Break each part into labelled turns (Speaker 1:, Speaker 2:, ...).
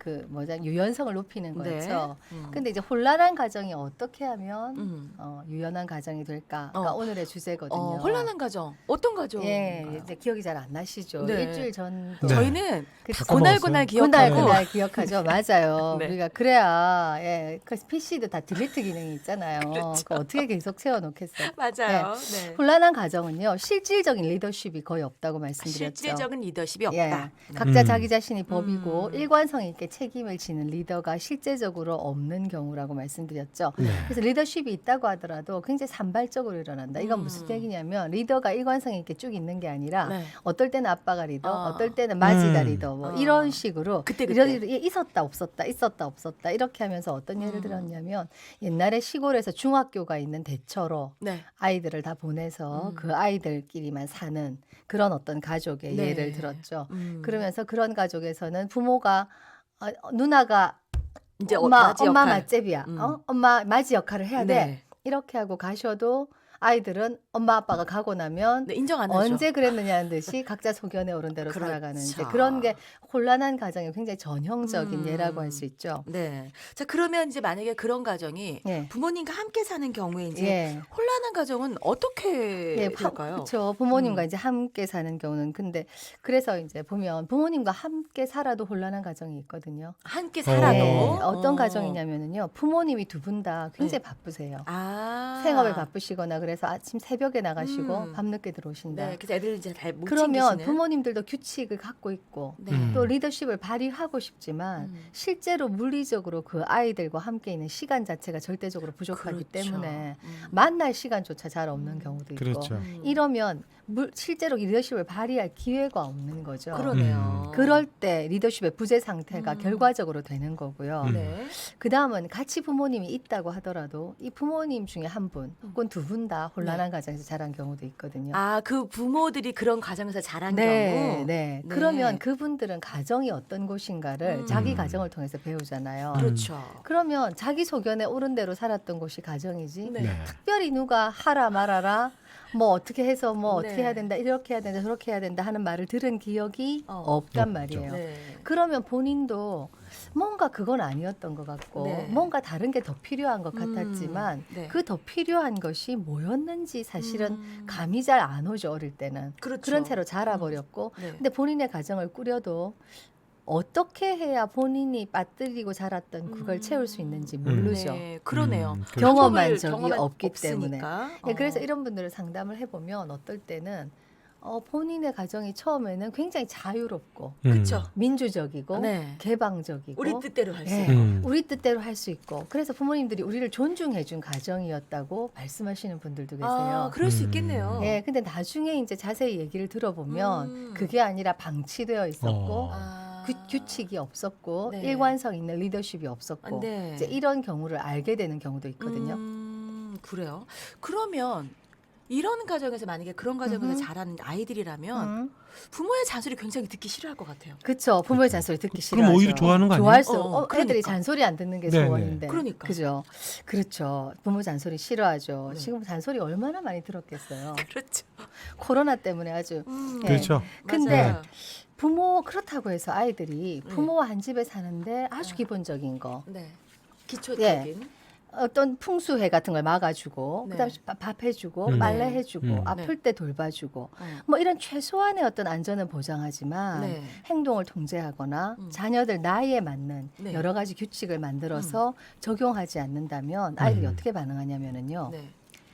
Speaker 1: 그 뭐냐 유연성을 높이는
Speaker 2: 네.
Speaker 1: 거였죠. 근데 이제 혼란한 가정이 어떻게 하면
Speaker 2: 음.
Speaker 1: 유연한 가정이 될까가 오늘의 주제거든요.
Speaker 2: 혼란한 가정 어떤 가정?
Speaker 1: 예, 이제 기억이 잘 안 나시죠.
Speaker 2: 네.
Speaker 1: 일주일 전도
Speaker 3: 네.
Speaker 2: 저희는
Speaker 1: 그쵸.
Speaker 2: 고날고날
Speaker 1: 그날
Speaker 2: 기억하고
Speaker 1: 그날 기억하죠. 맞아요.
Speaker 2: 네.
Speaker 1: 우리가 그래야 그 PC도 다 딜리트 기능이 있잖아요.
Speaker 2: 그렇죠.
Speaker 1: 그거 어떻게 계속 채워놓겠어요.
Speaker 2: 맞아요. 네.
Speaker 1: 혼란한 가정은요 실질적인 리더십이 거의 없다고 말씀드렸죠.
Speaker 2: 실질적인 리더십이 없다.
Speaker 1: 예,
Speaker 2: 네.
Speaker 1: 각자 자기 자신이 법이고
Speaker 2: 음.
Speaker 1: 일관성 있게 책임을 지는 리더가 실제적으로 없는 경우라고 말씀드렸죠.
Speaker 3: 네.
Speaker 1: 그래서 리더십이 있다고 하더라도 굉장히 산발적으로 일어난다. 이건 무슨 얘기냐면 리더가 일관성 있게 쭉 있는 게 아니라
Speaker 2: 네.
Speaker 1: 어떨 때는 아빠가 리더,
Speaker 2: 어.
Speaker 1: 어떨 때는 마지가 리더, 뭐 이런 식으로
Speaker 2: 그때.
Speaker 1: 리더들이 있었다 없었다 있었다 없었다 이렇게 하면서 어떤 예를 들었냐면 옛날에 시골에서 중학교가 있는 대처로
Speaker 2: 네.
Speaker 1: 아이들을 다 보내서 그 아이들끼리만 사는 그런 어떤 가족의
Speaker 2: 네.
Speaker 1: 예를 들었죠.
Speaker 2: 음.
Speaker 1: 그러면서 그런 가족에서는 부모가 누나가
Speaker 2: 이제
Speaker 1: 엄마
Speaker 2: 맞이
Speaker 1: 엄마
Speaker 2: 역할.
Speaker 1: 맞제비야. 엄마 맞이 역할을 해야 돼.
Speaker 2: 네.
Speaker 1: 이렇게 하고 가셔도 아이들은 엄마 아빠가 가고 나면
Speaker 2: 네, 인정 안 하죠.
Speaker 1: 언제 그랬느냐는 듯이 각자 소견에 오른 대로
Speaker 2: 그렇죠.
Speaker 1: 살아가는 이제 그런 게 혼란한 가정의 굉장히 전형적인 예라고 할 수 있죠.
Speaker 2: 네. 자, 그러면 이제 만약에 그런 가정이
Speaker 1: 예.
Speaker 2: 부모님과 함께 사는 경우에 이제
Speaker 1: 예.
Speaker 2: 혼란한 가정은 어떻게 될까요?
Speaker 1: 그렇죠. 부모님과 이제 함께 사는 경우는 근데 그래서 이제 보면 부모님과 함께 살아도 혼란한 가정이 있거든요.
Speaker 2: 함께 살아도
Speaker 1: 네, 어떤 가정이냐면은요. 부모님이 두 분 다 굉장히
Speaker 2: 네.
Speaker 1: 바쁘세요.
Speaker 2: 아.
Speaker 1: 생업에 바쁘시거나 그래서 아침 새벽에 나가시고 밤늦게 들어오신다.
Speaker 2: 네, 그래서 애들 이제 잘 못
Speaker 1: 그러면
Speaker 2: 챙기시는.
Speaker 1: 부모님들도 규칙을 갖고 있고
Speaker 2: 네.
Speaker 1: 또 리더십을 발휘하고 싶지만 실제로 물리적으로 그 아이들과 함께 있는 시간 자체가 절대적으로 부족하기
Speaker 2: 그렇죠.
Speaker 1: 때문에 만날 시간조차 잘 없는 경우도 있고
Speaker 3: 그렇죠.
Speaker 1: 이러면 실제로 리더십을 발휘할 기회가 없는 거죠.
Speaker 2: 그러네요.
Speaker 1: 그럴 때 리더십의 부재 상태가 결과적으로 되는 거고요.
Speaker 2: 네.
Speaker 1: 그 다음은 같이 부모님이 있다고 하더라도 이 부모님 중에 한 분 혹은 두 분 다 혼란한 가정에서 자란 경우도 있거든요.
Speaker 2: 아, 그 부모들이 그런 가정에서 자란
Speaker 1: 네,
Speaker 2: 경우.
Speaker 1: 네. 그러면 그분들은 가정이 어떤 곳인가를 자기 가정을 통해서 배우잖아요.
Speaker 2: 그렇죠.
Speaker 1: 그러면 자기 소견에 옳은 대로 살았던 곳이 가정이지.
Speaker 2: 네.
Speaker 3: 네.
Speaker 1: 특별히 누가 하라 말아라 뭐 어떻게 해서 뭐 어떻게
Speaker 2: 네.
Speaker 1: 해야 된다 이렇게 해야 된다 저렇게 해야 된다 하는 말을 들은 기억이 없단 말이에요.
Speaker 2: 네.
Speaker 1: 그러면 본인도 뭔가 그건 아니었던 것 같고
Speaker 2: 네.
Speaker 1: 뭔가 다른 게 더 필요한 것 같았지만
Speaker 2: 네.
Speaker 1: 그 더 필요한 것이 뭐였는지 사실은 감이 잘 안 오죠. 어릴 때는.
Speaker 2: 그렇죠.
Speaker 1: 그런 채로 자라버렸고
Speaker 2: 네.
Speaker 1: 근데 본인의 가정을 꾸려도 어떻게 해야 본인이 빠뜨리고 자랐던 그걸 채울 수 있는지 모르죠.
Speaker 2: 네, 그러네요.
Speaker 3: 그렇죠.
Speaker 1: 경험한
Speaker 2: 방법을-
Speaker 1: 적이
Speaker 2: 경험한
Speaker 1: 없기
Speaker 2: 없으니까.
Speaker 1: 예, 그래서 이런 분들을 상담을 해보면 어떨 때는 본인의 가정이 처음에는 굉장히 자유롭고
Speaker 2: 그렇죠.
Speaker 1: 민주적이고
Speaker 2: 네.
Speaker 1: 개방적이고
Speaker 2: 우리 뜻대로 할 수
Speaker 1: 예,
Speaker 2: 있고.
Speaker 1: 우리 뜻대로 할 수 있고 그래서 부모님들이 우리를 존중해준 가정이었다고 말씀하시는 분들도 계세요.
Speaker 2: 아, 그럴 수 있겠네요.
Speaker 1: 예, 근데 나중에 이제 자세히 얘기를 들어보면 그게 아니라 방치되어 있었고
Speaker 2: 아.
Speaker 1: 규칙이 없었고
Speaker 2: 네.
Speaker 1: 일관성 있는 리더십이 없었고
Speaker 2: 네.
Speaker 1: 이제 이런 경우를 알게 되는 경우도 있거든요.
Speaker 2: 그래요. 그러면 이런 가정에서 만약에 그런 가정에서
Speaker 1: 음흠.
Speaker 2: 자란 아이들이라면 부모의 잔소리 굉장히 듣기 싫어할 것 같아요.
Speaker 1: 그렇죠. 부모의 잔소리 듣기 싫어하죠.
Speaker 3: 그럼 오히려 좋아하는 거 아니에요?
Speaker 1: 좋아할 수,
Speaker 2: 그러니까.
Speaker 1: 애들이 잔소리 안 듣는 게
Speaker 3: 네네.
Speaker 1: 소원인데.
Speaker 2: 그러니까.
Speaker 1: 그죠. 그렇죠. 부모 잔소리 싫어하죠. 지금 잔소리 얼마나 많이 들었겠어요.
Speaker 2: 그렇죠.
Speaker 1: 코로나 때문에 아주. 예.
Speaker 3: 그렇죠.
Speaker 1: 근데
Speaker 2: 맞아요.
Speaker 1: 부모 그렇다고 해서 아이들이 부모와 한 집에 사는데 아주 기본적인 거.
Speaker 2: 네. 기초적인.
Speaker 1: 어떤 풍수해 같은 걸 막아주고
Speaker 2: 네.
Speaker 1: 그다음에 밥 해주고
Speaker 3: 네.
Speaker 1: 빨래 해주고
Speaker 3: 네.
Speaker 1: 아플 때 돌봐주고
Speaker 2: 어.
Speaker 1: 뭐 이런 최소한의 어떤 안전은 보장하지만
Speaker 2: 네.
Speaker 1: 행동을 통제하거나 자녀들 나이에 맞는
Speaker 2: 네.
Speaker 1: 여러 가지 규칙을 만들어서 적용하지 않는다면 아이들이 어떻게 반응하냐면은요.
Speaker 2: 네.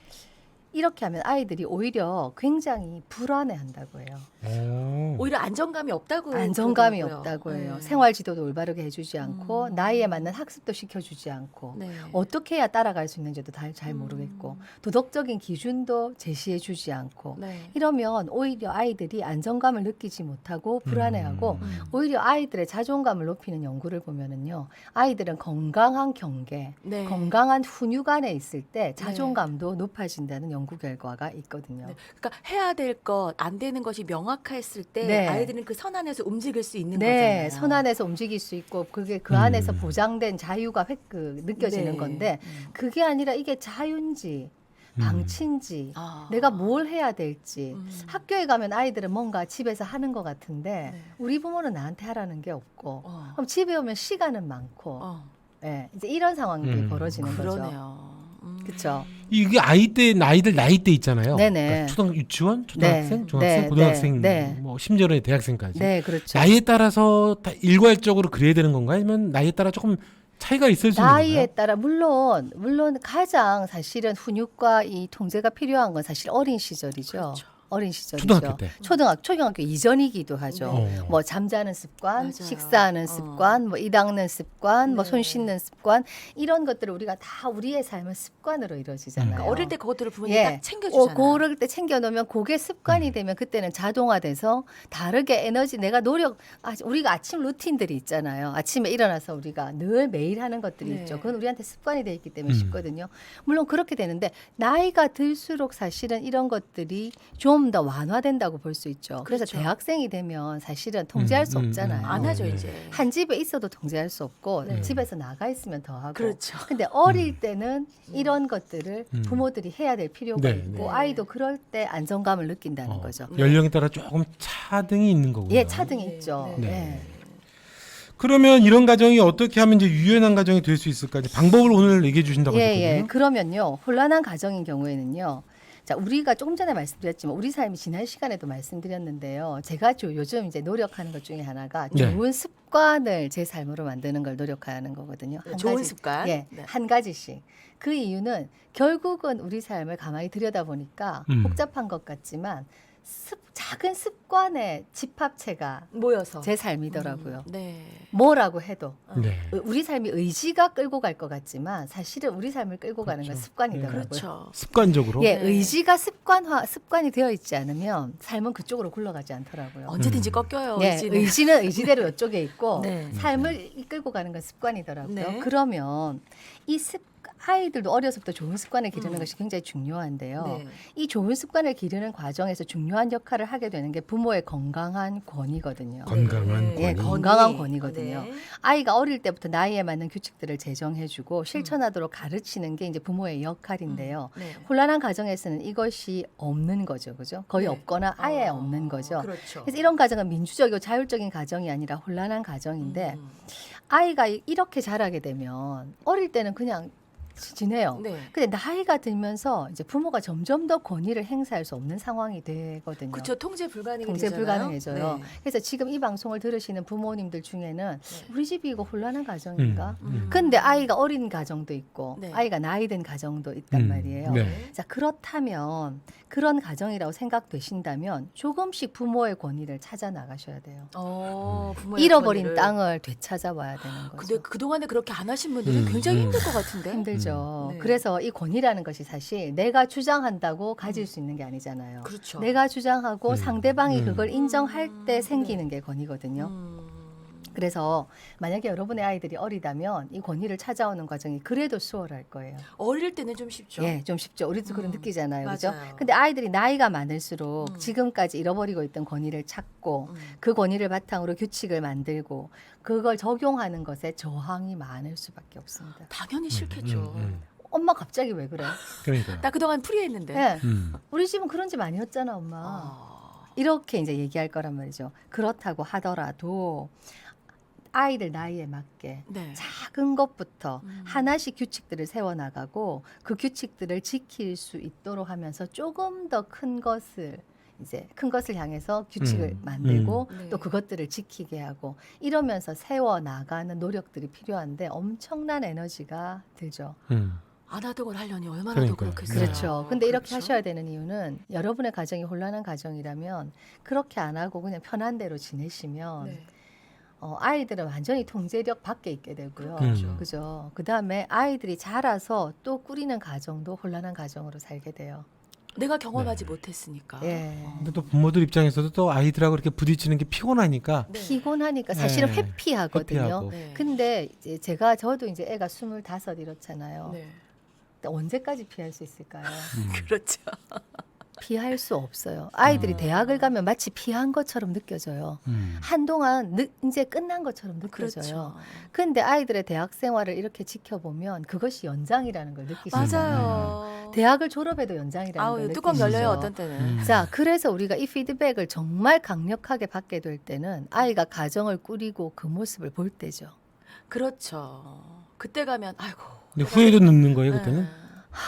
Speaker 1: 이렇게 하면 아이들이 오히려 굉장히 불안해한다고 해요.
Speaker 3: 오.
Speaker 2: 오히려 안정감이 없다고
Speaker 1: 안정감이
Speaker 2: 그러더라고요.
Speaker 1: 없다고 해요.
Speaker 2: 네.
Speaker 1: 생활 지도도 올바르게 해주지 않고 나이에 맞는 학습도 시켜주지 않고
Speaker 2: 네.
Speaker 1: 어떻게 해야 따라갈 수 있는지도 잘 모르겠고 도덕적인 기준도 제시해주지 않고
Speaker 2: 네.
Speaker 1: 이러면 오히려 아이들이 안정감을 느끼지 못하고 불안해하고 오히려 아이들의 자존감을 높이는 연구를 보면은요 아이들은 건강한 경계,
Speaker 2: 네.
Speaker 1: 건강한 훈육안에 있을 때 자존감도 높아진다는 연구 결과가 있거든요.
Speaker 2: 네. 그러니까 해야 될 것, 안 되는 것이 명확했을 때
Speaker 1: 네.
Speaker 2: 아이들은 그 선 안에서 움직일 수 있는
Speaker 1: 네,
Speaker 2: 거잖아요.
Speaker 1: 선 안에서 움직일 수 있고 그게 그 안에서 보장된 자유가 느껴지는
Speaker 2: 네.
Speaker 1: 건데 그게 아니라 이게 자유인지 방치인지
Speaker 2: 아.
Speaker 1: 내가 뭘 해야 될지
Speaker 2: 음.
Speaker 1: 학교에 가면 아이들은 뭔가 집에서 하는 것 같은데
Speaker 2: 네.
Speaker 1: 우리 부모는 나한테 하라는 게 없고
Speaker 2: 어.
Speaker 1: 그럼 집에 오면 시간은 많고 예, 이제 이런 상황들이 벌어지는 거죠.
Speaker 2: 그러네요.
Speaker 1: 그쵸.
Speaker 3: 이게 아이들 나이대 있잖아요.
Speaker 1: 네네.
Speaker 3: 그러니까 초등 유치원, 초등학생,
Speaker 1: 네.
Speaker 3: 중학생,
Speaker 1: 네.
Speaker 3: 고등학생,
Speaker 1: 네.
Speaker 3: 뭐 심지어는 대학생까지.
Speaker 1: 네, 그렇죠.
Speaker 3: 나이에 따라서 다 일괄적으로 그래야 되는 건가요? 아니면 나이에 따라 조금 차이가 있을 수 있는
Speaker 1: 나이에
Speaker 3: 건가요?
Speaker 1: 따라 물론 가장 사실은 훈육과 이 통제가 필요한 건 사실 어린 시절이죠.
Speaker 2: 그렇죠.
Speaker 1: 어린 시절이죠.
Speaker 3: 초등학교 때.
Speaker 1: 초등학교 이전이기도 하죠.
Speaker 2: 네.
Speaker 3: 어.
Speaker 1: 뭐 잠자는 습관,
Speaker 2: 맞아요.
Speaker 1: 식사하는 습관, 뭐 이 닦는 습관, 뭐
Speaker 2: 네.
Speaker 1: 손 씻는 습관 이런 것들을 우리가 다 우리의 삶은 습관으로 이루어지잖아요.
Speaker 2: 그러니까 어릴 때 그것들을 부모님이
Speaker 1: 예.
Speaker 2: 딱 챙겨주잖아요.
Speaker 1: 그럴 때 챙겨놓으면 그게 습관이 되면 그때는 자동화돼서 다르게 에너지 내가 우리가 아침 루틴들이 있잖아요. 아침에 일어나서 우리가 늘 매일 하는 것들이
Speaker 2: 네.
Speaker 1: 있죠. 그건 우리한테 습관이 돼 있기 때문에
Speaker 3: 음.
Speaker 1: 쉽거든요. 물론 그렇게 되는데 나이가 들수록 사실은 이런 것들이 좀 더 완화된다고 볼 수 있죠. 그래서
Speaker 2: 그렇죠.
Speaker 1: 대학생이 되면 사실은 통제할 수 없잖아요.
Speaker 2: 안 하죠
Speaker 3: 네.
Speaker 2: 이제.
Speaker 1: 한 집에 있어도 통제할 수 없고
Speaker 2: 네.
Speaker 1: 집에서 나가 있으면 더 하고.
Speaker 2: 그렇죠.
Speaker 1: 근데 어릴 때는 이런 것들을
Speaker 3: 음.
Speaker 1: 부모들이 해야 될 필요가
Speaker 3: 네,
Speaker 1: 있고
Speaker 2: 네.
Speaker 1: 아이도 그럴 때 안정감을 느낀다는 거죠.
Speaker 3: 연령에 따라 조금 차등이 있는 거군요.
Speaker 1: 예, 차등이
Speaker 2: 네,
Speaker 1: 있죠.
Speaker 2: 네.
Speaker 1: 예.
Speaker 3: 그러면 이런 가정이 어떻게 하면 이제 유연한 가정이 될 수 있을까? 이제 방법을 오늘 얘기해 주신다고
Speaker 1: 예,
Speaker 3: 하셨거든요.
Speaker 1: 예. 그러면요. 혼란한 가정인 경우에는요. 자, 우리가 조금 전에 말씀드렸지만 우리 삶이 지난 시간에도 말씀드렸는데요. 제가 요즘 이제 노력하는 것 중에 하나가
Speaker 3: 네.
Speaker 1: 좋은 습관을 제 삶으로 만드는 걸 노력하는 거거든요. 한
Speaker 2: 좋은
Speaker 1: 가지.
Speaker 2: 습관.
Speaker 1: 예,
Speaker 2: 네.
Speaker 1: 한 가지씩. 그 이유는 결국은 우리 삶을 가만히 들여다보니까 복잡한 것 같지만 작은 습관의 집합체가
Speaker 2: 모여서
Speaker 1: 제 삶이더라고요.
Speaker 2: 네.
Speaker 1: 뭐라고 해도
Speaker 3: 네.
Speaker 1: 우리 삶이 의지가 끌고 갈 것 같지만 사실은 우리 삶을 끌고 가는 건
Speaker 3: 그렇죠.
Speaker 1: 습관이더라고요.
Speaker 2: 그렇죠.
Speaker 3: 습관적으로.
Speaker 1: 예,
Speaker 2: 네.
Speaker 1: 의지가 습관이 되어 있지 않으면 삶은 그쪽으로 굴러가지 않더라고요.
Speaker 2: 언제든지 꺾여요.
Speaker 1: 네,
Speaker 2: 의지는.
Speaker 1: 의지는 의지대로 이쪽에 있고
Speaker 2: 네.
Speaker 1: 삶을 이끌고 가는 건 습관이더라고요.
Speaker 2: 네.
Speaker 1: 그러면 이 아이들도 어려서부터 좋은 습관을 기르는 것이 굉장히 중요한데요.
Speaker 2: 네.
Speaker 1: 이 좋은 습관을 기르는 과정에서 중요한 역할을 하게 되는 게 부모의 건강한 권위거든요.
Speaker 3: 건강한
Speaker 1: 예,
Speaker 3: 권위.
Speaker 1: 건강한 권위거든요.
Speaker 2: 네.
Speaker 1: 아이가 어릴 때부터 나이에 맞는 규칙들을 제정해주고 실천하도록 가르치는 게 이제 부모의 역할인데요.
Speaker 2: 네.
Speaker 1: 혼란한 가정에서는 이것이 없는 거죠, 그죠? 거의
Speaker 2: 네.
Speaker 1: 없거나 아예 없는 거죠.
Speaker 2: 그렇죠.
Speaker 1: 그래서 이런 가정은 민주적이고 자율적인 가정이 아니라 혼란한 가정인데 아이가 이렇게 자라게 되면 어릴 때는 그냥 지내요.
Speaker 2: 네.
Speaker 1: 근데 나이가 들면서 이제 부모가 점점 더 권위를 행사할 수 없는 상황이 되거든요.
Speaker 2: 그렇죠. 통제 불가능이
Speaker 1: 통제
Speaker 2: 되잖아요.
Speaker 1: 불가능해져요.
Speaker 2: 네.
Speaker 1: 그래서 지금 이 방송을 들으시는 부모님들 중에는
Speaker 2: 네.
Speaker 1: 우리 집이 이거 혼란한 가정인가?
Speaker 2: 음.
Speaker 1: 근데 아이가 어린 가정도 있고
Speaker 2: 네.
Speaker 1: 아이가 나이 든 가정도 있단 말이에요.
Speaker 3: 네.
Speaker 1: 자, 그렇다면 그런 가정이라고 생각되신다면 조금씩 부모의 권위를 찾아 나가셔야 돼요.
Speaker 2: 부모의
Speaker 1: 잃어버린
Speaker 2: 권위를.
Speaker 1: 땅을 되찾아와야 되는 거죠.
Speaker 2: 근데 그동안에 그렇게 안 하신 분들은 굉장히 힘들 것 같은데.
Speaker 1: 힘들죠.
Speaker 2: 네.
Speaker 1: 그래서 이 권위라는 것이 사실 내가 주장한다고 가질 수 있는 게 아니잖아요.
Speaker 2: 그렇죠.
Speaker 1: 내가 주장하고 상대방이 그걸 인정할 때
Speaker 2: 네.
Speaker 1: 생기는 게 권위거든요. 그래서 만약에 여러분의 아이들이 어리다면 이 권위를 찾아오는 과정이 그래도 수월할 거예요.
Speaker 2: 어릴 때는 좀 쉽죠.
Speaker 1: 예, 좀 쉽죠. 우리도 그런 느끼잖아요. 그죠?
Speaker 2: 맞아요.
Speaker 1: 근데 아이들이 나이가 많을수록 지금까지 잃어버리고 있던 권위를 찾고 그 권위를 바탕으로 규칙을 만들고 그걸 적용하는 것에 저항이 많을 수밖에 없습니다.
Speaker 2: 당연히 싫겠죠.
Speaker 1: 엄마 갑자기 왜 그래?
Speaker 3: 그러니까.
Speaker 2: 나 그동안 프리했는데.
Speaker 1: 예.
Speaker 3: 음.
Speaker 1: 우리 집은 그런 집 아니었잖아, 엄마. 이렇게 이제 얘기할 거란 말이죠. 그렇다고 하더라도 아이들 나이에 맞게
Speaker 2: 네.
Speaker 1: 작은 것부터 하나씩 규칙들을 세워나가고 그 규칙들을 지킬 수 있도록 하면서 조금 더 큰 것을 이제 큰 것을 향해서 규칙을 만들고
Speaker 2: 네.
Speaker 1: 또 그것들을 지키게 하고 이러면서 세워나가는 노력들이 필요한데 엄청난 에너지가 들죠.
Speaker 2: 안 하던 걸 하려니 얼마나 더
Speaker 3: 그러니까요.
Speaker 2: 그렇겠어요.
Speaker 1: 그렇죠. 근데 이렇게
Speaker 2: 그렇죠?
Speaker 1: 하셔야 되는 이유는 여러분의 가정이 혼란한 가정이라면 그렇게 안 하고 그냥 편한 대로 지내시면
Speaker 2: 네.
Speaker 1: 아이들은 완전히 통제력 밖에 있게 되고요.
Speaker 3: 그렇죠.
Speaker 1: 그죠. 그 다음에 아이들이 자라서 또 꾸리는 가정도 혼란한 가정으로 살게 돼요.
Speaker 2: 내가 경험하지 못했으니까.
Speaker 1: 예.
Speaker 3: 근데 또 부모들 입장에서도 또 아이들하고 이렇게 부딪히는 게 피곤하니까
Speaker 2: 네.
Speaker 1: 피곤하니까 사실은
Speaker 3: 네.
Speaker 1: 회피하거든요.
Speaker 3: 회피하고.
Speaker 2: 네.
Speaker 1: 근데 이제 저도 이제 애가 25 이렇잖아요.
Speaker 2: 네.
Speaker 1: 근데 언제까지 피할 수 있을까요?
Speaker 2: 그렇죠.
Speaker 1: 피할 수 없어요. 아이들이 대학을 가면 마치 피한 것처럼 느껴져요. 한동안 이제 끝난 것처럼 느껴져요.
Speaker 2: 그렇죠.
Speaker 1: 근데 아이들의 대학 생활을 이렇게 지켜보면 그것이 연장이라는 걸 느끼시잖아요.
Speaker 2: 맞아요.
Speaker 1: 대학을 졸업해도 연장이라는 걸
Speaker 2: 아우, 뚜껑
Speaker 1: 느끼시죠?
Speaker 2: 열려요 어떤 때는.
Speaker 1: 자, 그래서 우리가 이 피드백을 정말 강력하게 받게 될 때는 아이가 가정을 꾸리고 그 모습을 볼 때죠.
Speaker 2: 그렇죠. 그때 가면 아이고.
Speaker 3: 근데 후회도 늦는 거예요 그때는.
Speaker 2: 네.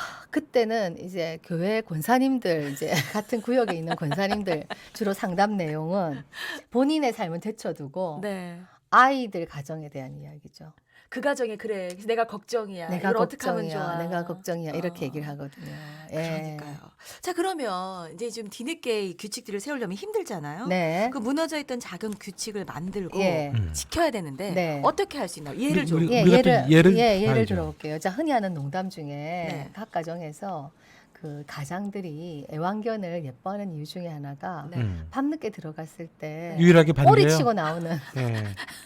Speaker 1: 그때는 이제 교회 권사님들 이제 같은 구역에 있는 권사님들 주로 상담 내용은 본인의 삶은 제쳐두고
Speaker 2: 네.
Speaker 1: 아이들 가정에 대한 이야기죠.
Speaker 2: 그 가정에 그래. 그래서 내가 걱정이야.
Speaker 1: 내가
Speaker 2: 이걸 어떻게 하면
Speaker 1: 걱정이야,
Speaker 2: 좋아.
Speaker 1: 내가 걱정이야 이렇게
Speaker 2: 어.
Speaker 1: 얘기를 하거든요. 예.
Speaker 2: 그러니까요. 자 그러면 이제 좀 뒤늦게 이 규칙들을 세우려면 힘들잖아요.
Speaker 1: 네.
Speaker 2: 그 무너져 있던 작은 규칙을 만들고
Speaker 1: 예.
Speaker 2: 지켜야 되는데
Speaker 1: 네.
Speaker 2: 어떻게 할 수 있나요? 예를 좀.
Speaker 3: 우리-
Speaker 1: 예,
Speaker 3: 우리가 또 예를
Speaker 1: 예를
Speaker 3: 봐야죠.
Speaker 1: 들어볼게요. 자, 흔히 하는 농담 중에
Speaker 2: 네.
Speaker 1: 각 가정에서 그 가장들이 애완견을 예뻐하는 이유 중에 하나가
Speaker 2: 네.
Speaker 1: 밤늦게 들어갔을 때
Speaker 3: 유일하게 반대요.
Speaker 1: 꼬리치고 나오는
Speaker 3: 네.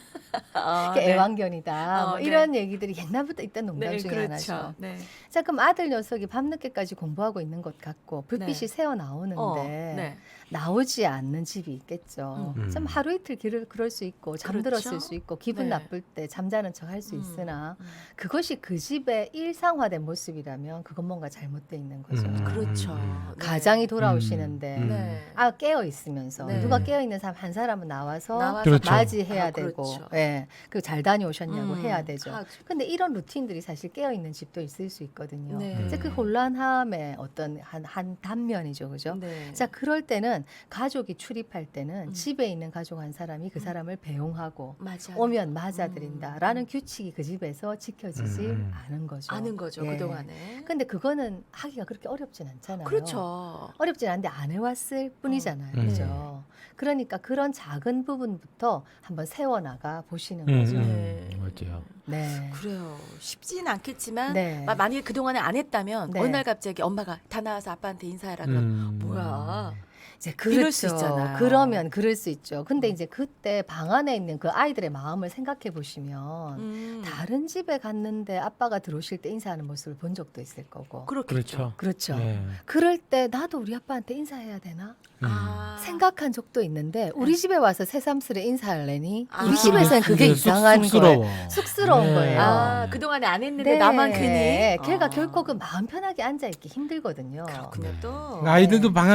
Speaker 2: 아,
Speaker 1: 게
Speaker 2: 네.
Speaker 1: 애완견이다. 뭐
Speaker 2: 네.
Speaker 1: 이런 얘기들이 옛날부터 있던 농담
Speaker 2: 네,
Speaker 1: 중에
Speaker 2: 그렇죠.
Speaker 1: 하나죠.
Speaker 2: 네.
Speaker 1: 자, 그럼 아들 녀석이 밤늦게까지 공부하고 있는 것 같고 불빛이
Speaker 2: 네.
Speaker 1: 새어 나오는데
Speaker 2: 네.
Speaker 1: 나오지 않는 집이 있겠죠.
Speaker 3: 음.
Speaker 1: 좀 하루 이틀 그럴 수 있고 잠들었을
Speaker 2: 그렇죠.
Speaker 1: 수 있고 기분
Speaker 2: 네.
Speaker 1: 나쁠 때 잠자는 척 할 수 있으나
Speaker 2: 음.
Speaker 1: 그것이 그 집의 일상화된 모습이라면 그건 뭔가 잘못돼 있는 거죠.
Speaker 2: 그렇죠. 네.
Speaker 1: 가장이 돌아오시는데
Speaker 2: 네.
Speaker 1: 깨어 있으면서
Speaker 2: 네.
Speaker 1: 누가 깨어 있는 사람 한 사람은 나와서
Speaker 3: 그렇죠.
Speaker 1: 맞이해야
Speaker 2: 아,
Speaker 1: 되고,
Speaker 2: 그렇죠.
Speaker 1: 예, 그 잘 다녀오셨냐고
Speaker 2: 음.
Speaker 1: 해야 되죠.
Speaker 2: 아,
Speaker 1: 근데 이런 루틴들이 사실 깨어 있는 집도 있을 수 있거든요.
Speaker 2: 네.
Speaker 1: 이제 그 혼란함의 어떤 한 단면이죠, 그죠?
Speaker 2: 네.
Speaker 1: 자, 그럴 때는 가족이 출입할 때는
Speaker 2: 음.
Speaker 1: 집에 있는 가족 한 사람이 그 사람을 배웅하고
Speaker 2: 맞아.
Speaker 1: 오면 맞아들인다라는 규칙이 그 집에서 지켜지지
Speaker 3: 음.
Speaker 1: 않은 거죠.
Speaker 2: 아는 거죠
Speaker 1: 예.
Speaker 2: 그동안에.
Speaker 1: 근데 그거는 하기가 그렇게 어렵진 않잖아요.
Speaker 2: 그렇죠.
Speaker 1: 어렵진 않은데 안 해왔을 뿐이잖아요.
Speaker 3: 음.
Speaker 1: 그죠? 그러니까 그런 작은 부분부터 한번 세워나가 보시는
Speaker 3: 음,
Speaker 1: 거죠.
Speaker 2: 네.
Speaker 3: 맞아요.
Speaker 1: 네.
Speaker 2: 그래요. 쉽지는 않겠지만
Speaker 1: 네.
Speaker 2: 만약에 그동안에 안 했다면
Speaker 1: 네.
Speaker 2: 어느 날 갑자기 엄마가 다 나와서 아빠한테 인사해라 그럼 뭐야.
Speaker 1: 이제
Speaker 2: 이럴 수 있잖아요.
Speaker 1: 그러면 그럴 수 있죠. 근데 이제 그때 방 안에 있는 그 아이들의 마음을 생각해 보시면 다른 집에 갔는데 아빠가 들어오실 때 인사하는 모습을 본 적도 있을 거고.
Speaker 2: 그렇겠죠.
Speaker 3: 그렇죠.
Speaker 1: 그렇죠.
Speaker 3: 네.
Speaker 1: 그럴 때 나도 우리 아빠한테 인사해야 되나?
Speaker 2: 아.
Speaker 1: 생각한 적도 있는데 우리 집에 와서 새삼스레 인사하려니
Speaker 2: 아.
Speaker 1: 우리 집에서는 그게 이상한
Speaker 3: 쑥스러워.
Speaker 1: 거예요. 쑥스러운
Speaker 3: 네.
Speaker 1: 거예요.
Speaker 2: 아, 그동안에 안 했는데
Speaker 1: 네.
Speaker 2: 나만 괜히.
Speaker 1: 걔가
Speaker 2: 아.
Speaker 1: 결코 그 마음 편하게 앉아 있기 힘들거든요.
Speaker 2: 그렇군요
Speaker 3: 네.
Speaker 2: 또.
Speaker 3: 아이들도 방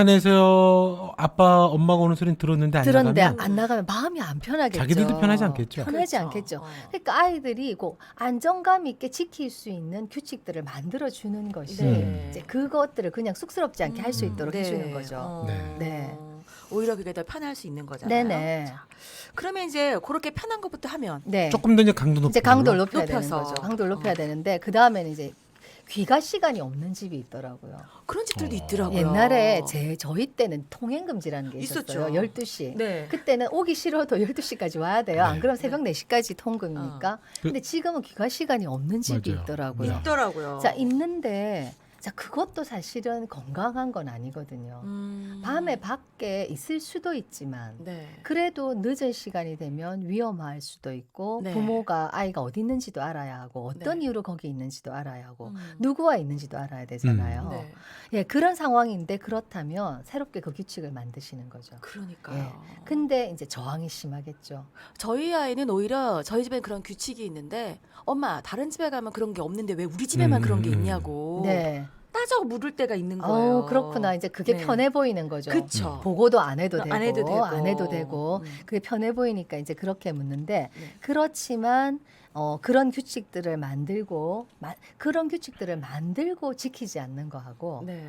Speaker 3: 안에서 아빠 엄마가 오는 소리는 들었는데 안
Speaker 1: 들었는데
Speaker 3: 나가면
Speaker 1: 안 나가면 마음이 안 편하겠죠.
Speaker 3: 자기들도 편하지 않겠죠.
Speaker 1: 편하지
Speaker 2: 그렇죠.
Speaker 1: 않겠죠.
Speaker 2: 어.
Speaker 1: 그러니까 아이들이 꼭 안정감 있게 지킬 수 있는 규칙들을 만들어 주는 것이
Speaker 2: 네.
Speaker 1: 이제 그것들을 그냥 쑥스럽지 않게 할 수 있도록
Speaker 2: 네.
Speaker 1: 해주는 거죠.
Speaker 2: 어.
Speaker 3: 네.
Speaker 1: 네.
Speaker 2: 오히려 그게 더 편할 수 있는 거잖아요.
Speaker 1: 네네.
Speaker 2: 자, 그러면 이제 그렇게 편한 것부터 하면
Speaker 1: 네.
Speaker 3: 조금 더 이제 강도 높여.
Speaker 1: 이제 강도를 높여야 되는
Speaker 2: 높여서.
Speaker 1: 거죠. 강도를 높여야 되는데 그 다음에는 이제 귀가 시간이 없는 집이 있더라고요.
Speaker 2: 그런 집들도 있더라고요.
Speaker 1: 옛날에 저희 때는 통행금지라는 게
Speaker 2: 있었죠.
Speaker 1: 있었어요. 12시.
Speaker 2: 네.
Speaker 1: 그때는 오기 싫어도 12시까지 와야 돼요. 안 그러면 새벽 4시까지 통금이니까. 근데 지금은 귀가 시간이 없는 집이
Speaker 3: 맞아요.
Speaker 1: 있더라고요.
Speaker 3: 네.
Speaker 2: 있더라고요.
Speaker 1: 자, 있는데 자, 그것도 사실은 건강한 건 아니거든요. 밤에 밖에 있을 수도 있지만
Speaker 2: 네.
Speaker 1: 그래도 늦은 시간이 되면 위험할 수도 있고
Speaker 2: 네.
Speaker 1: 부모가 아이가 어디 있는지도 알아야 하고 어떤
Speaker 2: 네.
Speaker 1: 이유로 거기 있는지도 알아야 하고
Speaker 2: 음.
Speaker 1: 누구와 있는지도 알아야 되잖아요.
Speaker 2: 네.
Speaker 1: 예, 그런 상황인데 그렇다면 새롭게 그 규칙을 만드시는 거죠.
Speaker 2: 그러니까요.
Speaker 1: 근데 이제 저항이 심하겠죠.
Speaker 2: 저희 아이는 오히려 저희 집엔 그런 규칙이 있는데 엄마 다른 집에 가면 그런 게 없는데 왜 우리 집에만 그런 게 있냐고
Speaker 1: 네.
Speaker 2: 따져 물을 때가 있는 거예요.
Speaker 1: 그렇구나. 이제 그게
Speaker 2: 네.
Speaker 1: 편해 보이는 거죠.
Speaker 2: 그쵸.
Speaker 1: 보고도 안 해도 되고,
Speaker 2: 안 해도 되고.
Speaker 1: 안 해도 되고. 그게 편해 보이니까 이제 그렇게 묻는데
Speaker 2: 네.
Speaker 1: 그렇지만 그런 규칙들을 만들고 그런 규칙들을 만들고 지키지 않는 거하고
Speaker 2: 네.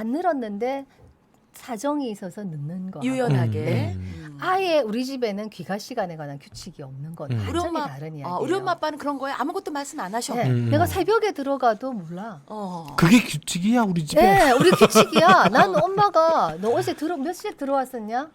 Speaker 1: 만들었는데 사정이 있어서 늦는 거
Speaker 2: 유연하게.
Speaker 1: 아예 우리 집에는 귀가 시간에 관한 규칙이 없는 건
Speaker 3: 우리
Speaker 1: 완전히
Speaker 2: 엄마-
Speaker 1: 다른 이야기예요.
Speaker 2: 우리 엄마 아빠는 그런 거에 아무것도 말씀 안 하셔.
Speaker 1: 네, 내가 새벽에 들어가도 몰라.
Speaker 3: 그게 규칙이야 우리 집에.
Speaker 1: 네, 우리 규칙이야. 난 엄마가 너 어제 몇 시에 들어왔었냐?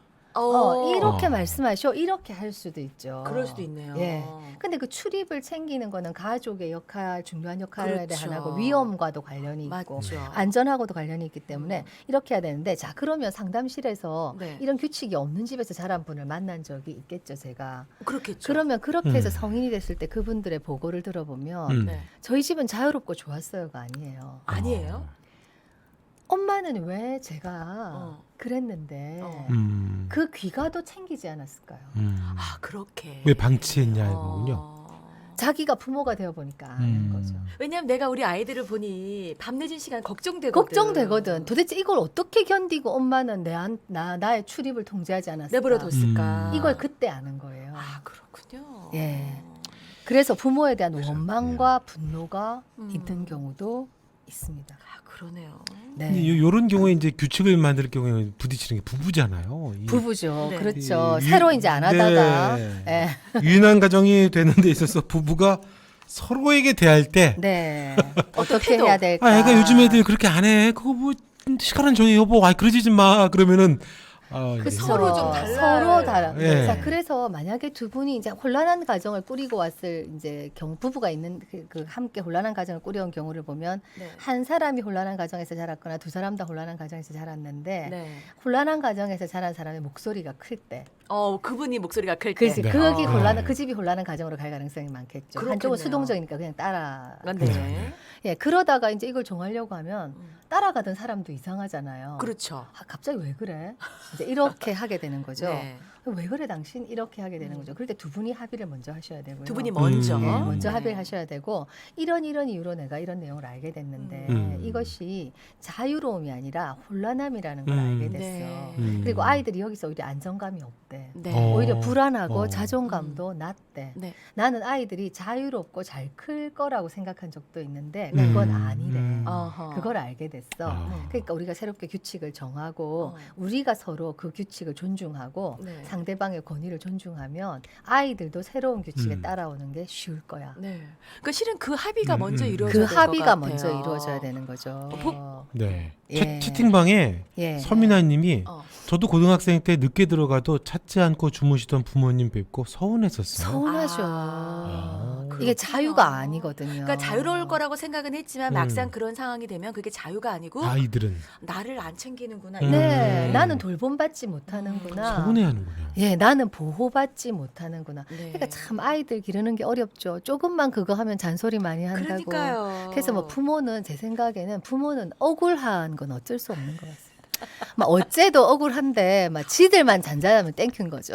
Speaker 1: 이렇게 말씀하셔. 이렇게 할 수도 있죠.
Speaker 2: 그럴 수도 있네요.
Speaker 1: 예. 근데 그 출입을 챙기는 거는 가족의 역할, 중요한 역할의
Speaker 2: 그렇죠.
Speaker 1: 하나고 위험과도 관련이 있고
Speaker 2: 맞죠.
Speaker 1: 안전하고도 관련이 있기 때문에 이렇게 해야 되는데 자 그러면 상담실에서
Speaker 2: 네.
Speaker 1: 이런 규칙이 없는 집에서 자란 분을 만난 적이 있겠죠 제가.
Speaker 2: 그렇겠죠.
Speaker 1: 그러면 그렇게 해서 성인이 됐을 때 그분들의 보고를 들어보면
Speaker 2: 네.
Speaker 1: 저희 집은 자유롭고 좋았어요가 아니에요.
Speaker 2: 아니에요?
Speaker 1: 엄마는 왜 제가
Speaker 2: 어.
Speaker 1: 그랬는데
Speaker 3: 음.
Speaker 1: 그 귀가도 챙기지 않았을까요?
Speaker 3: 음.
Speaker 2: 아 그렇게.
Speaker 3: 왜 방치했냐 이거군요.
Speaker 1: 자기가 부모가 되어 보니까 아는 거죠.
Speaker 2: 왜냐면 내가 우리 아이들을 보니 밤 늦은 시간 걱정되거든.
Speaker 1: 걱정되거든. 도대체 이걸 어떻게 견디고 엄마는 나의 출입을 통제하지 않았을까?
Speaker 2: 내버려뒀을까.
Speaker 1: 이걸 그때 아는 거예요.
Speaker 2: 아 그렇군요.
Speaker 1: 예. 그래서 부모에 대한
Speaker 3: 그렇죠.
Speaker 1: 원망과 분노가 있는 경우도 있습니다.
Speaker 2: 아 그러네요.
Speaker 1: 네.
Speaker 3: 요런 경우에 이제 규칙을 만들 경우에 부딪히는 게 부부잖아요.
Speaker 1: 부부죠.
Speaker 2: 네.
Speaker 1: 그렇죠.
Speaker 3: 이-
Speaker 1: 새로 이제 안 하다가
Speaker 3: 네.
Speaker 1: 예.
Speaker 3: 유인한 가정이 되는 데 있어서 부부가 서로에게 대할 때
Speaker 1: 네.
Speaker 2: 어떤
Speaker 1: 어떻게
Speaker 2: 태도?
Speaker 1: 해야 될까?
Speaker 3: 애가 요즘 애들 그렇게 안 해. 그거 뭐 시간은 정해 여보. 그러지 좀 마. 그러면은 이제
Speaker 2: 서로 좀 달라요.
Speaker 1: 서로 달라.
Speaker 3: 예.
Speaker 1: 자, 그래서 만약에 두 분이 이제 혼란한 가정을 꾸리고 왔을 이제 부부가 있는 그 함께 혼란한 가정을 꾸려온 경우를 보면
Speaker 2: 네.
Speaker 1: 한 사람이 혼란한 가정에서 자랐거나 두 사람 다 혼란한 가정에서 자랐는데
Speaker 2: 네.
Speaker 1: 혼란한 가정에서 자란 사람의 목소리가 클 때,
Speaker 2: 그분이 목소리가 클 때.
Speaker 1: 그렇지,
Speaker 3: 네.
Speaker 1: 그게
Speaker 3: 아.
Speaker 1: 혼란한 그 집이 혼란한 가정으로 갈 가능성이 많겠죠. 한쪽은
Speaker 2: 그렇겠네요.
Speaker 1: 수동적이니까 그냥 따라.
Speaker 2: 네.
Speaker 1: 예, 그러다가 이제 이걸 정하려고 하면 따라가던 사람도 이상하잖아요.
Speaker 2: 그렇죠.
Speaker 1: 갑자기 왜 그래? 이제 이렇게 하게 되는 거죠.
Speaker 2: 네.
Speaker 1: 왜 그래 당신 이렇게 하게 되는 거죠. 그럴 때 두 분이 합의를 먼저 하셔야 되고요.
Speaker 2: 두 분이 먼저.
Speaker 3: 음.
Speaker 1: 네, 먼저
Speaker 2: 네.
Speaker 1: 합의를 하셔야 되고 이런 이유로 내가 이런 내용을 알게 됐는데 이것이 자유로움이 아니라 혼란함이라는 걸 알게 됐어.
Speaker 2: 네.
Speaker 1: 그리고 아이들이 여기서 오히려 안정감이 없대.
Speaker 2: 네.
Speaker 1: 오히려 불안하고
Speaker 3: 어.
Speaker 1: 자존감도 낮대.
Speaker 2: 네.
Speaker 1: 나는 아이들이 자유롭고 잘 클 거라고 생각한 적도 있는데 그건 아니래.
Speaker 2: 어허.
Speaker 1: 그걸 알게 됐어.
Speaker 3: 아.
Speaker 1: 그러니까 우리가 새롭게 규칙을 정하고
Speaker 2: 어.
Speaker 1: 우리가 서로 그 규칙을 존중하고
Speaker 2: 네.
Speaker 1: 상대방의 권위를 존중하면 아이들도 새로운 규칙에
Speaker 3: 음.
Speaker 1: 따라오는 게 쉬울 거야.
Speaker 2: 네. 그러니까 실은 그 합의가 먼저
Speaker 3: 그
Speaker 2: 이루어져야
Speaker 1: 그
Speaker 2: 될것
Speaker 1: 합의가
Speaker 2: 같아요.
Speaker 1: 먼저 이루어져야 되는 거죠.
Speaker 3: 네.
Speaker 1: 예.
Speaker 3: 채팅방에
Speaker 1: 예.
Speaker 3: 서민아님이
Speaker 2: 어.
Speaker 3: 저도 고등학생 때 늦게 들어가도 찾지 않고 주무시던 부모님 뵙고 서운했었어요.
Speaker 1: 서운하죠.
Speaker 3: 아,
Speaker 1: 이게
Speaker 2: 그렇구나.
Speaker 1: 자유가 아니거든요.
Speaker 2: 그러니까 자유로울 거라고 생각은 했지만
Speaker 3: 음.
Speaker 2: 막상 그런 상황이 되면 그게 자유가 아니고
Speaker 3: 아이들은
Speaker 2: 나를 안 챙기는구나.
Speaker 1: 네,
Speaker 3: 음.
Speaker 1: 나는 돌봄받지 못하는구나.
Speaker 3: 서운해하는군요.
Speaker 1: 예, 나는 보호받지 못하는구나.
Speaker 2: 네.
Speaker 1: 그러니까 참 아이들 기르는 게 어렵죠. 조금만 그거 하면 잔소리 많이 한다고.
Speaker 2: 그러니까요.
Speaker 1: 그래서 뭐 부모는 제 생각에는 부모는 억울한 건 어쩔 수 없는 것 같습니다. 막 어째도 억울한데 막 지들만 잔잔하면 땡큐인 거죠.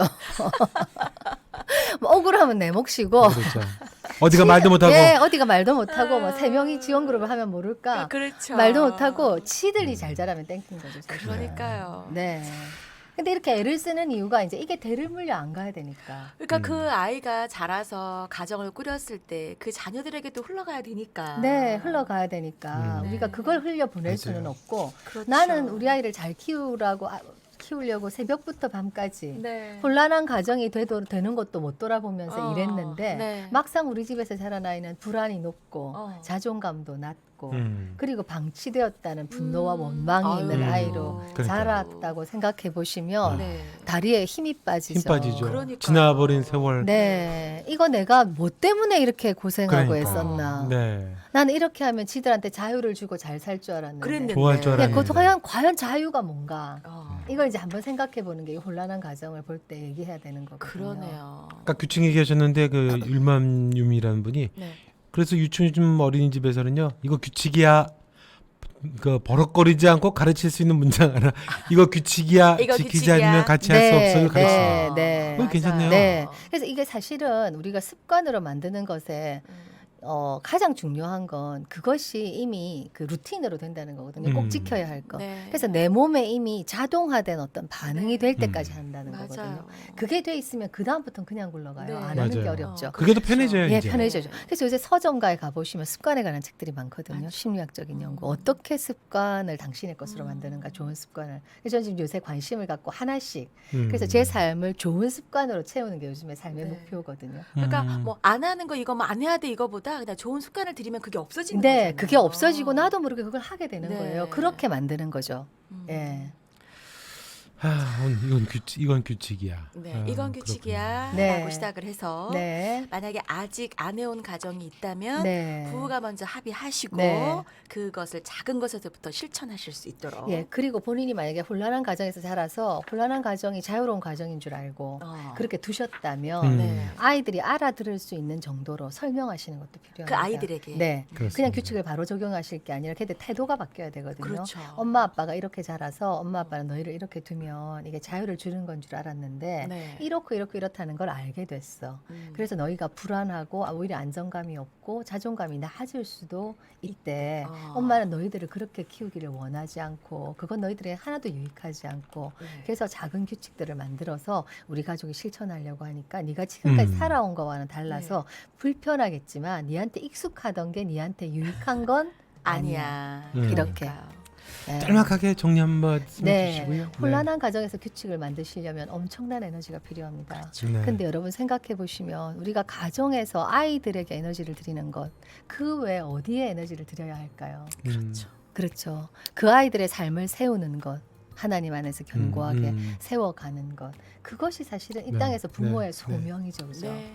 Speaker 1: 뭐 억울하면 내 몫이고.
Speaker 3: 그렇죠. 어디가 말도 못하고
Speaker 1: 예, 어디가 말도 못하고 뭐 세 명이 지원 그룹을 하면 모를까.
Speaker 2: 그렇죠.
Speaker 1: 말도 못하고 치들이 잘 자라면 땡큐인 거죠. 사실.
Speaker 2: 그러니까요.
Speaker 1: 네. 근데 이렇게 애를 쓰는 이유가 이제 이게 대를 물려 안 가야 되니까.
Speaker 2: 그러니까 그 아이가 자라서 가정을 꾸렸을 때 그 자녀들에게도 흘러가야 되니까.
Speaker 1: 네, 흘러가야 되니까
Speaker 3: 음.
Speaker 1: 우리가
Speaker 2: 네.
Speaker 1: 그걸 흘려 보낼
Speaker 3: 맞아요.
Speaker 1: 수는 없고
Speaker 2: 그렇죠.
Speaker 1: 나는 우리 아이를 잘 키우려고 새벽부터 밤까지
Speaker 2: 네.
Speaker 1: 혼란한 가정이 되는 것도 못 돌아보면서
Speaker 2: 어,
Speaker 1: 일했는데
Speaker 2: 네.
Speaker 1: 막상 우리 집에서 자란 아이는 불안이 높고
Speaker 2: 어.
Speaker 1: 자존감도 낮고
Speaker 3: 음.
Speaker 1: 그리고 방치되었다는 분노와 원망이 있는
Speaker 3: 아유.
Speaker 1: 아이로
Speaker 3: 그러니까요.
Speaker 1: 자랐다고 생각해 보시면
Speaker 2: 네.
Speaker 1: 다리에 힘이 빠지죠.
Speaker 3: 힘 빠지죠.
Speaker 2: 그러니까요.
Speaker 3: 지나버린 세월.
Speaker 1: 네, 이거 내가 뭐 때문에 이렇게 고생하고
Speaker 3: 그러니까.
Speaker 1: 했었나?
Speaker 3: 네.
Speaker 1: 나는 이렇게 하면 지들한테 자유를 주고 잘 살 줄 알았는데.
Speaker 2: 그랬는데.
Speaker 3: 좋아할 줄
Speaker 1: 네,
Speaker 3: 알았는데.
Speaker 1: 과연 자유가 뭔가?
Speaker 2: 어.
Speaker 1: 이걸 이제 한번 생각해 보는 게 이 혼란한 가정을 볼 때 얘기해야 되는 거거든요.
Speaker 2: 그러네요.
Speaker 3: 아까 규칙 얘기하셨는데 그 율맘유미라는 분이
Speaker 2: 네.
Speaker 3: 그래서 유치원 어린이집에서는요 이거 규칙이야 그 버럭거리지 않고 가르칠 수 있는 문장 하나 이거 규칙이야
Speaker 2: 이거
Speaker 3: 지키지
Speaker 2: 규칙이야.
Speaker 3: 않으면 같이 할 수 없어요 가르치는
Speaker 1: 네, 네.
Speaker 3: 그거 괜찮네요.
Speaker 1: 네. 그래서 이게 사실은 우리가 습관으로 만드는 것에 가장 중요한 건 그것이 이미 그 루틴으로 된다는 거거든요. 꼭
Speaker 3: 음.
Speaker 1: 지켜야 할 거.
Speaker 2: 네.
Speaker 1: 그래서 내 몸에 이미 자동화된 어떤 반응이
Speaker 2: 네.
Speaker 1: 될 때까지 한다는
Speaker 2: 맞아요.
Speaker 1: 거거든요. 그게 돼 있으면 그 다음부터는 그냥 굴러가요.
Speaker 2: 네.
Speaker 1: 안 하는 게
Speaker 3: 맞아요.
Speaker 1: 어렵죠.
Speaker 3: 그게 더
Speaker 2: 그렇죠.
Speaker 3: 편해져요
Speaker 1: 예,
Speaker 3: 이제.
Speaker 1: 편해져죠. 그래서 요새 서점가에 가보시면 습관에 관한 책들이 많거든요.
Speaker 2: 맞죠.
Speaker 1: 심리학적인 연구. 어떻게 습관을 당신의 것으로 만드는가, 좋은 습관을. 그래서 저는 지금 요새 관심을 갖고 하나씩. 그래서 제 삶을 좋은 습관으로 채우는 게 요즘의 삶의
Speaker 2: 네.
Speaker 1: 목표거든요.
Speaker 2: 그러니까
Speaker 3: 음.
Speaker 2: 뭐 안 하는 거 이거 뭐 안 해야 돼 이거보다 그냥 좋은 습관을 들이면 그게 없어지는
Speaker 1: 네,
Speaker 2: 거잖아요.
Speaker 1: 그게 없어지고 나도 모르게 그걸 하게 되는
Speaker 2: 네.
Speaker 1: 거예요. 그렇게 만드는 거죠.
Speaker 2: 음.
Speaker 1: 예.
Speaker 3: 이건 규칙이야.
Speaker 2: 네,
Speaker 3: 아,
Speaker 2: 이건 규칙이야
Speaker 1: 네.
Speaker 2: 라고 시작을 해서
Speaker 1: 네.
Speaker 2: 만약에 아직 안 해온 가정이 있다면
Speaker 1: 네.
Speaker 2: 부부가 먼저 합의하시고
Speaker 1: 네.
Speaker 2: 그것을 작은 것에서부터 실천하실 수 있도록
Speaker 1: 예, 그리고 본인이 만약에 혼란한 가정에서 자라서 혼란한 가정이 자유로운 가정인 줄 알고 그렇게 두셨다면
Speaker 3: 음.
Speaker 2: 네.
Speaker 1: 아이들이 알아들을 수 있는 정도로 설명하시는 것도 필요합니다.
Speaker 2: 그 아이들에게
Speaker 1: 네.
Speaker 3: 그렇습니다.
Speaker 1: 그냥 규칙을 바로 적용하실 게 아니라 걔들 태도가 바뀌어야 되거든요.
Speaker 2: 그렇죠.
Speaker 1: 엄마 아빠가 이렇게 자라서 엄마 아빠는 너희를 이렇게 두면 보면 이게 자유를 주는 건 줄 알았는데
Speaker 2: 네.
Speaker 1: 이렇고 이렇다는 걸 알게 됐어. 그래서 너희가 불안하고 오히려 안정감이 없고 자존감이 낮을 수도 있대.
Speaker 2: 아.
Speaker 1: 엄마는 너희들을 그렇게 키우기를 원하지 않고 그건 너희들에게 하나도 유익하지 않고
Speaker 2: 네.
Speaker 1: 그래서 작은 규칙들을 만들어서 우리 가족이 실천하려고 하니까 네가 지금까지 살아온 거와는 달라서 불편하겠지만 니한테 익숙하던 게 니한테 유익한 건 아니야.
Speaker 2: 아니야.
Speaker 1: 이렇게.
Speaker 2: 그러니까요.
Speaker 1: 네.
Speaker 3: 짤막하게 정리 한 말씀
Speaker 1: 네.
Speaker 3: 해주시고요.
Speaker 1: 혼란한 가정에서 규칙을 만드시려면 엄청난 에너지가 필요합니다.
Speaker 3: 네.
Speaker 1: 근데 여러분 생각해 보시면 우리가 가정에서 아이들에게 에너지를 드리는 것, 그 외에 어디에 에너지를 드려야 할까요?
Speaker 2: 그렇죠.
Speaker 1: 그렇죠. 그 아이들의 삶을 세우는 것, 하나님 안에서 견고하게 세워가는 것, 그것이 사실은 이
Speaker 3: 네.
Speaker 1: 땅에서 부모의
Speaker 3: 네.
Speaker 1: 소명이죠, 그죠?
Speaker 2: 네.